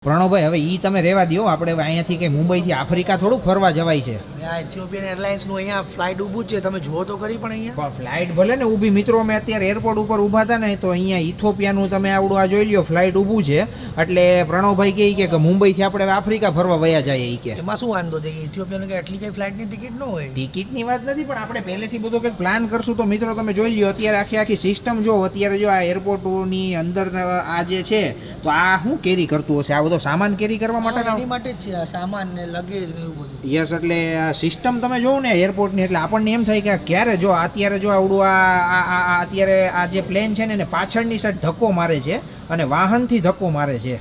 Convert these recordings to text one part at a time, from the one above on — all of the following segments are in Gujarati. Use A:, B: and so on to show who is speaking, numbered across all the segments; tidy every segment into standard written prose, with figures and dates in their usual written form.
A: પ્રણવભાઈ હવે ઈ તમે રહેવા દો, આપણે અહીંયાથી કે મુંબઈથી આફ્રિકા થોડુંક ફરવા જવાય છે.
B: ઇથિયોપિયન એરલાઇન્સ નું અહીંયા ફ્લાઇટ ઊભું જ છે, તમે જુઓ તો કરી. પણ અહીંયા
A: ફ્લાઇટ ભલે ને ઊભી, મિત્રો અમે અત્યારે એરપોર્ટ ઉપર ઊભા હતા ને તો અહીંયા ઇથિયોપિયાનું તમે આવડું આ જોઈ લ્યો ફ્લાઇટ ઊભું છે. એટલે પ્રણવભાઈ કહે કે મુંબઈથી આપણે આફ્રિકા ફરવા વયા જઈએ. ઈ કે
B: એમાં શું વાંધો છે કે ઇથિયોપિયાનું કે આટલી કઈ ફ્લાઇટની ટિકિટ ન હોય.
A: ટિકિટની વાત નથી, પણ આપણે પહેલેથી બધો કંઈક પ્લાન કરશું તો મિત્રો તમે જોઈ લ્યો અત્યારે આખી સિસ્ટમ જો. અત્યારે જો આ એરપોર્ટની અંદર આ જે છે તો આ શું કેરી કરતું હશે, આ બધો સામાન કેરી કરવા
B: એની માટે જ છે આ સામાન ને લગેજ ને એવું બધું.
A: યસ, એટલે આ સિસ્ટમ તમે જોવો ને એરપોર્ટની એટલે આપણને એમ થાય કે ક્યારે જો અત્યારે જો આવડું આ અત્યારે આ જે પ્લેન છે ને પાછળની સાઈડ ધક્કો મારે છે અને વાહનથી ધક્કો મારે છે.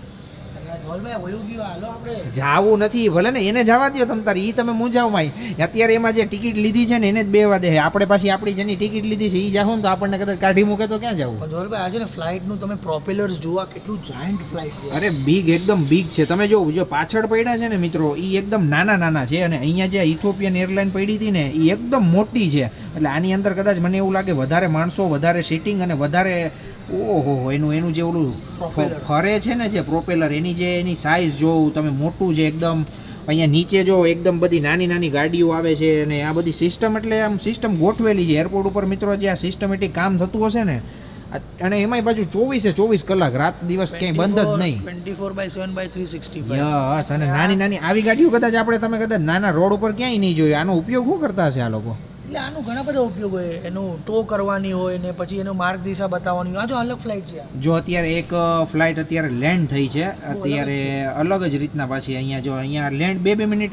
A: જાવું નથી ભલે ને, એને જવા દો તમ તારી, ઈ તમે મૂંઝાવ માય. અત્યારે એમાં જે ટિકિટ લીધી છે ને એને જ બેવા દે. આપણે પાછી આપણી જેની ટિકિટ લીધી છે ઈ જાહો ને તો આપણને કદાચ કાઢી મૂકે તો ક્યાં જવું.
B: પણ ધોલભાઈ આજે ને ફ્લાઇટ નું તમે પ્રોપેલર્સ જોવા, કેટલું જાયન્ટ ફ્લાઇટ છે.
A: અરે બીગ, એકદમ બીગ છે. તમે જો પાછળ પડ્યા છે ને મિત્રો ઈ એકદમ નાના છે અને અહીંયા જે ઇથિયોપિયન એરલાઇન પડી હતી ને ઈ એકદમ મોટી છે. એટલે આની અંદર કદાચ મને એવું લાગે વધારે માણસો, વધારે સીટિંગ અને વધારે ઓહો એનું જે ઓલું ફરે છે ને જે પ્રોપેલર, એની સાઇઝ જોવું તમે, મોટું છે એકદમ. અહીંયા નીચે જો એકદમ બધી નાની ગાડીઓ આવે છે અને આ બધી સિસ્ટમ, એટલે આમ સિસ્ટમ ગોઠવેલી છે એરપોર્ટ ઉપર મિત્રો. જે આ સિસ્ટમેટિક કામ થતું હશે ને, અને એમાંય પાછું 24 કલાક, રાત દિવસ ક્યાંય બંધ જ નહીં.
B: 24/7/365.
A: યસ, અને નાની આવી ગાડીઓ કદાચ તમે કદાચ નાના રોડ ઉપર ક્યાંય નહીં જોયું. આનો ઉપયોગ શું કરતા હશે આ લોકો?
B: એટલે આનું ઘણા બધા ઉપયોગ હોય. એનું ટો કરવાની હોય ને પછી એનું માર્ગ દિશા બતાવવાની હોય. આ જો અલગ ફ્લાઇટ છે.
A: જો અત્યારે એક ફ્લાઇટ અત્યારે લેન્ડ થઈ છે, અત્યારે અલગ જ રીતના. પાછી અહીંયા લેન્ડ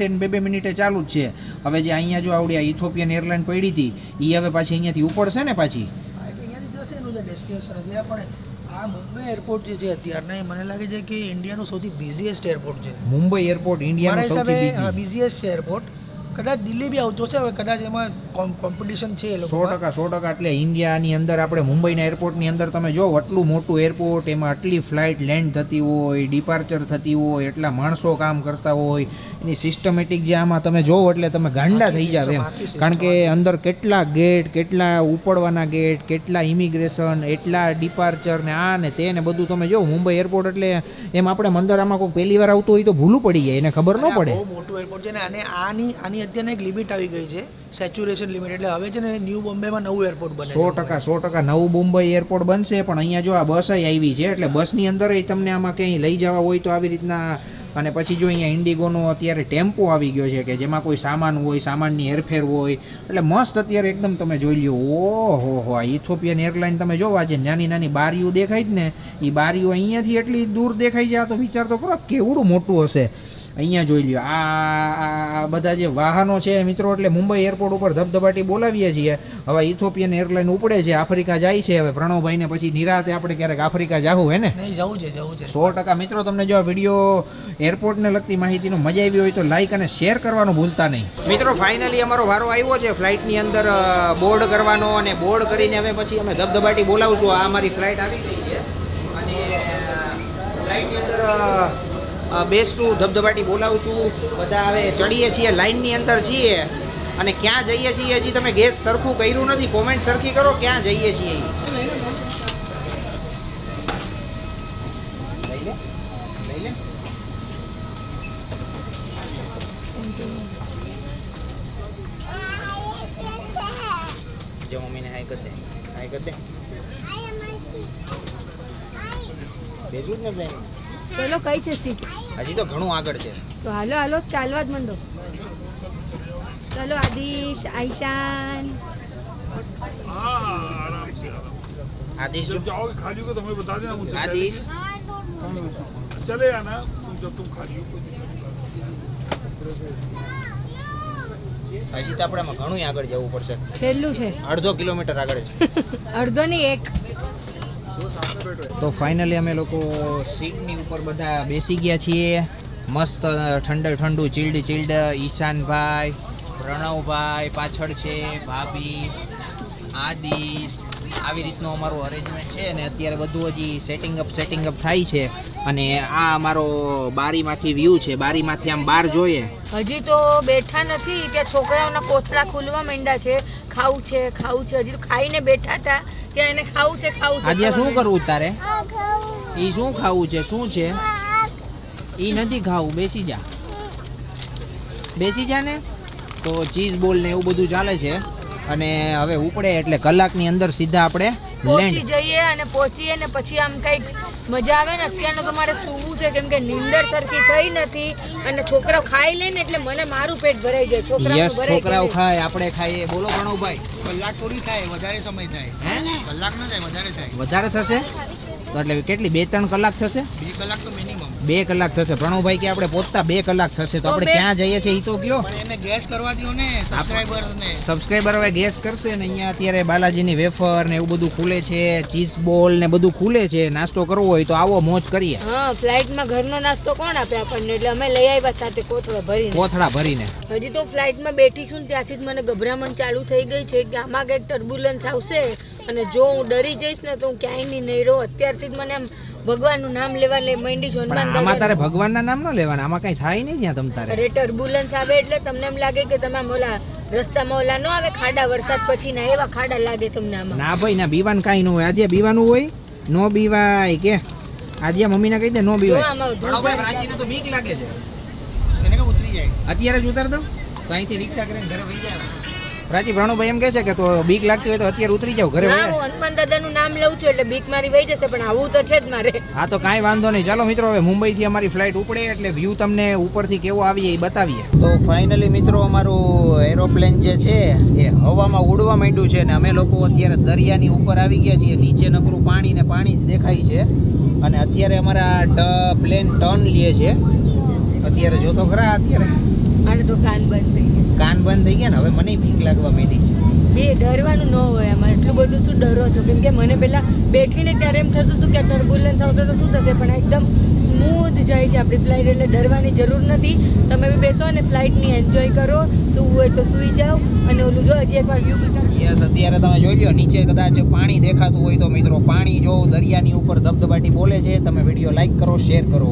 A: 2 મિનિટે ચાલુ જ છે. હવે જે અહીંયા જો આવડી ઇથિયોપિયન એરલાઇન પડી હતી એ હવે પાછી અહીંયાથી ઉપડશે ને પાછી.
B: અહીંયાથી જશે એનું જે ડેસ્ટિનેશન છે. પણ આ મુંબઈ એરપોર્ટ જે છે અત્યારના, મને લાગે છે કે ઇન્ડિયાનું સૌથી બિઝીએસ્ટ એરપોર્ટ છે.
A: મુંબઈ એરપોર્ટ ઇન્ડિયાનું સૌથી
B: બિઝીએસ્ટ છે એરપોર્ટ. કદાચ દિલ્હી બી આવતો છે હવે, કદાચ એમાં કોમ્પિટિશન છે એ લોકો.
A: 100%. એટલે ઇન્ડિયાની અંદર આપણે મુંબઈના એરપોર્ટની અંદર તમે જો આટલું મોટું એરપોર્ટ, એમાં આટલી ફ્લાઇટ લેન્ડ થતી હોય, ડિપાર્ચર થતી હોય, એટલા માણસો કામ કરતા હોય, એની સિસ્ટમેટિક જે આમાં તમે જોવો એટલે તમે ગાંડા થઈ જાવ એમ. કારણ કે અંદર કેટલા ગેટ, કેટલા ઉપડવાના ગેટ, કેટલા ઇમિગ્રેશન, એટલા ડિપાર્ચર ને આ ને તે ને બધું તમે જો મુંબઈ એરપોર્ટ. એટલે એમ આપણે અંદર આમાં કોઈ પહેલી વાર આવતું હોય તો ભૂલું પડી જાય, એને ખબર ન પડે.
B: બહુ મોટું એરપોર્ટ છે ને. અને આની અત્યારે એક લિમિટ આવી ગઈ છે, સેચ્યુરેશન લિમિટ. એટલે હવે છે ને ન્યૂ બોમ્બેમાં નવું એરપોર્ટ બને.
A: 100% નવું મુંબઈ એરપોર્ટ બનશે. પણ અહીંયા જો આ બસ આવી છે એટલે બસની અંદર તમને આમાં ક્યાંય લઈ જવા હોય તો આવી રીતના. અને પછી જો અહીંયા ઇન્ડિગોનો અત્યારે ટેમ્પો આવી ગયો છે કે જેમાં કોઈ સામાન હોય, સામાનની હેરફેર હોય. એટલે મસ્ત અત્યારે એકદમ તમે જોઈ લ્યો. ઓહો આ ઇથિયોપિયન એરલાઇન તમે જોવા જે નાની બારીઓ દેખાય જ ને, એ બારીઓ અહીંયાથી એટલી દૂર દેખાઈ જાય તો વિચાર તો કરો કેવડું મોટું હશે. અહીંયા જોઈ લ્યો આ બધા જે વાહનો છે મિત્રો. એટલે મુંબઈ એરપોર્ટ ઉપર ધબધબાટી બોલાવીએ છીએ. હવે ઇથિયોપિયન એરલાઇન ઉપડે છે, આફ્રિકા જાય છે. હવે પ્રણવભાઈને પછી નિરાતે આપણે ક્યારેક આફ્રિકા જાવું હે ને?
B: જવું છે
A: 100%. મિત્રો તમને જો આ વિડીયો એરપોર્ટને લગતી માહિતીનો મજા આવી હોય તો લાઈક અને શેર કરવાનું ભૂલતા નહીં. મિત્રો ફાઇનલી અમારો વારો આવ્યો છે ફ્લાઇટની અંદર બોર્ડ કરવાનો, અને બોર્ડ કરીને હવે પછી અમે ધબધબાટી બોલાવશું. આ અમારી ફ્લાઇટ આવી ગઈ છે અને ફ્લાઇટની અંદર બેસશું, ધબધબાટી બોલાવશું. બધા હવે ચડીએ છીએ, લાઇનની અંદર છીએ. અને ક્યાં જઈએ છીએ હજી તમે ગેસ સરખું કર્યું નથી, કોમેન્ટ સરખી કરો ક્યાં જઈએ છીએ. લઈ લે જો મમ્મીને હાય કર દે બેસું જ ને બેન.
C: ચલો કઈ છે સીટ?
A: હજી તો ઘણું આગળ છે.
C: તો હાલો ચાલવા જ માંડો. ચલો આદિશ, આઈશાન.
A: आदिश
D: जाओगे खाली को तो हमें बता देना मुझसे.
A: आदिश
D: चले आना जब तुम खाली हो.
A: હજી તો આપણે ઘણું આગળ જવું પડશે.
C: છેલ્લું છે,
A: 1.5 કિલોમીટર આગળ છે.
C: અડધો નહીં 1.
A: તો ફાઇનલી અમે લોકો સીટની ઉપર બધા બેસી ગયા છીએ. મસ્ત ઠંડુ ચીલ્ડ ઈશાનભાઈ, પ્રણવભાઈ પાછળ છે, ભાભી, આદિશ. આવી રીતનું અમારું અરેન્જમેન્ટ છે. અને અત્યારે બધું હજી સેટિંગ અપ થાય છે. અને આ અમારો બારીમાંથી વ્યૂ છે. બારીમાંથી આમ બહાર જોઈએ.
C: હજી તો બેઠા નથી, ત્યાં છોકરાઓના કોથળા ખુલવા માંડ્યા છે. ખાવું છે. હજી તો ખાઈને બેઠા હતા, ત્યાં એને ખાવું છે.
A: આજે શું કરવું તારે? એ શું ખાવું છે? શું છે? ઈ નથી ખાવું, બેસી જા ને. તો ચીઝ બોલ ને એવું બધું ચાલે છે અને હવે ઉપડે એટલે કલાકની અંદર સીધા આપણે
C: પહોંચી
A: લેન્ડ.
C: જઈએ અને પહોંચીએ ને પછી આમ કંઈક મજા આવે ને. અત્યારનું તો મારે સૂવું છે કેમ કે નીંદર સરખી થઈ નથી અને છોકરાઓ ખાઈ લે ને એટલે મને મારું પેટ ભરાઈ જાય.
A: યસ,
C: છોકરાઓ
A: છોકરાઓ ખાય, આપણે ખાઈએ. બોલો પ્રણવભાઈ.
B: કલાક થોડી થાય, વધારે સમય થાય.
A: હે?
B: કલાક ના થાય, વધારે થાય.
A: વધારે થશે તો એટલે કેટલી 2-3 કલાક થશે?
B: 2 કલાક તો મિનિમમ.
A: 2 કલાક થશે પ્રણવભાઈ કે આપણે પહોંચતા 2 કલાક થશે. તો આપણે ક્યાં જઈએ છીએ એ તો કયો.
B: પણ એને ગેસ કરવા દો ને સબસ્ક્રાઇબર ને.
A: સબસ્ક્રાઈબર હવે ગેસ કરશે ને. અહીંયા અત્યારે બાલાજીની વેફર ને એવું બધું ખુલે છે, ચીઝ બોલ ને બધું ખુલે છે. નાસ્તો કરવો હોય તો આવો, મોજ કરીએ.
C: હા, ફ્લાઇટમાં ઘરનો નાસ્તો કોણ આપે આપણને, એટલે અમે લઈ આવ્યા સાથે કોથળા ભરીને. હજી તો ફ્લાઇટમાં બેઠીશું ને ત્યાંથી જ મને ગભરામણ ચાલુ થઈ ગઈ છે કે આમાં કંઈક ટર્બ્યુલન્સ આવશે અને જો હું ડરી જઈશ ને તો હું ક્યાંય નહીં રહું. અત્યારથી જ મને આમ ભગવાનનું નામ લેવા માંડી છું.
A: પણ આમાં તારે ભગવાનના નામ ન લેવાના, આમાં કઈ થાય નહીં જ્યાં તમ તારે.
C: અરે ટર્બ્યુલન્સ આવે એટલે તમને એમ લાગે કે તમે આમ ઓલા રસ્તામાં ઓલા ન આવે ખાડા, વરસાદ પછી ના એવા ખાડા લાગે તમને આમાં.
A: ના ભાઈ ના, બીવાનું કાંઈ ન હોય. આજે બીવાનું હોય નો બીવાય કે આજે મમ્મીને કહી દે નો
C: જો
A: બીવાય.
C: આમાં
A: પ્રાચીને તો બીક લાગે છે.
B: એને કે ઉતરી જાય.
A: અત્યારે જ ઉતાર દો તો અહીંથી રિક્ષા કરીને ઘરે વહી જાય. પ્રાચી પ્રણવભાઈ એમ કહે છે કે તો બીક લાગતી હોય તો અત્યારે ઉતરી જાવ ઘરે.
C: ના, હું હનુમાન દાદાનું નામ લઉં છું એટલે બીક મારી વહી જશે, પણ આવું તો છે જ મારે.
A: હા તો કાંઈ વાંધો નહીં. ચાલો મિત્રો, હવે મુંબઈથી અમારી ફ્લાઇટ ઉપડે એટલે વ્યૂ તમને ઉપરથી કેવો આવીએ એ બતાવીએ. તો ફાઇનલી મિત્રો, અમારું એરોપ્લેન જે છે એ હવામાં ઉડવા માંડ્યું છે ને અમે લોકો અત્યારે દરિયાની ઉપર આવી ગયા છીએ. નીચે નકરું પાણી ને પાણી જ દેખાય છે અને અત્યારે અમારા પ્લેન ટર્ન લે છે. અત્યારે જોતો ખરા, અત્યારે
C: મારે તો કાન બંધ થઈ ગયા.
A: કાન બંધ થઈ ગયા ને હવે મને બીક લાગવા માંડી છે.
C: બે ડરવાનું ન હોય આમાં, એટલું બધું શું ડરો છો? કેમ કે મને પહેલા બેઠીને ત્યારે એમ થતું હતું કે ટર્બ્યુલન્સ આવતો તો શું થશે, પણ એકદમ સ્મૂથ જાય છે આપણી ફ્લાઇટ એટલે ડરવાની જરૂર નથી. તમે બી બેસો અને ફ્લાઇટની એન્જોય કરો. સૂવું હોય તો સૂઈ જાઓ અને ઓલું જો હજી એકવાર વ્યૂ બતાવો.
A: યસ, અત્યારે તમે જોઈ લો નીચે કદાચ પાણી દેખાતું હોય તો મિત્રો પાણી જો દરિયાની ઉપર ધબધબાટી બોલે છે. તમે વિડીયો લાઈક કરો, શેર કરો.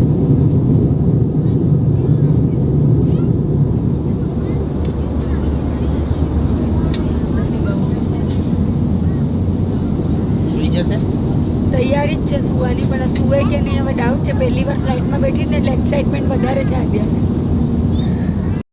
A: જશે
C: તૈયારી જ છે સુવાની, પણ આ સુવે કે નહીં હવે ડાઉટ છે. પહેલી વાર ફ્લાઇટમાં બેઠી ને એટલે એક્સાઇટમેન્ટ વધારે છે અત્યારે.